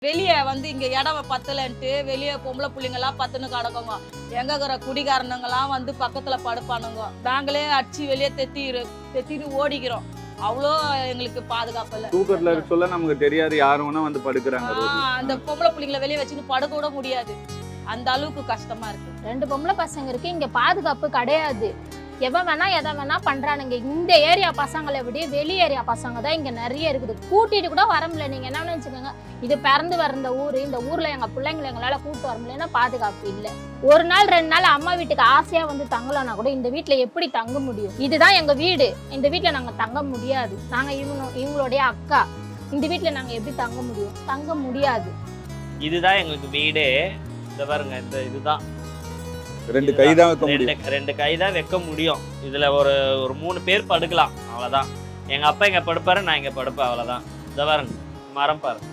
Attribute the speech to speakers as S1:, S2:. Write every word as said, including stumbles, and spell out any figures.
S1: வெளியே வந்து இங்க இடம் பத்தலன்ட்டு வெளியே பொம்பளை பிள்ளைங்கெல்லாம் பத்துன்னு கிடக்குங்க. எங்க இருக்கிற குடிகாரனுங்கெல்லாம் வந்து பக்கத்துல படுப்பானுங்க. நாங்களே அடிச்சு வெளியே தெத்தி தெத்திட்டு ஓடிக்கிறோம். அவ்வளோ எங்களுக்கு பாதுகாப்பு இல்லை.
S2: தூக்கத்துல இருக்க சொல்ல நமக்கு தெரியாது, யாரும் வேணா வந்து படுக்கிறாங்க.
S1: அந்த பொம்பளை பிள்ளைங்களை வெளியே வச்சுன்னு படுக்க கூட முடியாது. அந்த அளவுக்கு கஷ்டமா இருக்கு.
S3: ரெண்டு பொம்பளை பசங்க இருக்கு, இங்க பாதுகாப்பு கிடையாது. எவன் வேணா எதை வேணா பண்றானுங்க. இந்த ஏரியா பசங்களை விட வெளி ஏரியா பசங்க தான் இங்க நிறைய இருக்குது. கூட்டிட்டு கூட வர முடியல. நீங்க என்ன நினைச்சுக்கோங்க, இது பிறந்து வந்த ஊரு, இந்த ஊர்ல எங்க பிள்ளைங்களை எங்களால கூட்டு வர முடியலன்னா பாதுகாப்பு இல்லை. ஒரு நாள் ரெண்டு நாள் அம்மா வீட்டுக்கு ஆசையா வந்து தங்கலன்னா கூட இந்த வீட்டுல எப்படி தங்க முடியும்? இதுதான் எங்க வீடு, இந்த வீட்டுல நாங்க தங்க முடியாது. நாங்க இவங்க இவங்களுடைய அக்கா, இந்த வீட்டுல நாங்க எப்படி தங்க முடியும்? தங்க முடியாது.
S4: இதுதான் எங்களுக்கு வீடே. இந்த பாருங்க, இந்த இதுதான்
S2: ரெண்டு கை தான் வைக்க முடியும்.
S4: ரெண்டு ரெண்டு கை தான் வைக்க முடியும். இதுல ஒரு ஒரு மூணு பேர் படுக்கலாம், அவ்வளவுதான். எங்க அப்பா இங்க படுப்பாரு, நான் இங்க படுப்பேன், அவ்வளவுதான். இந்த பாருங்க, மரம் பாருங்க.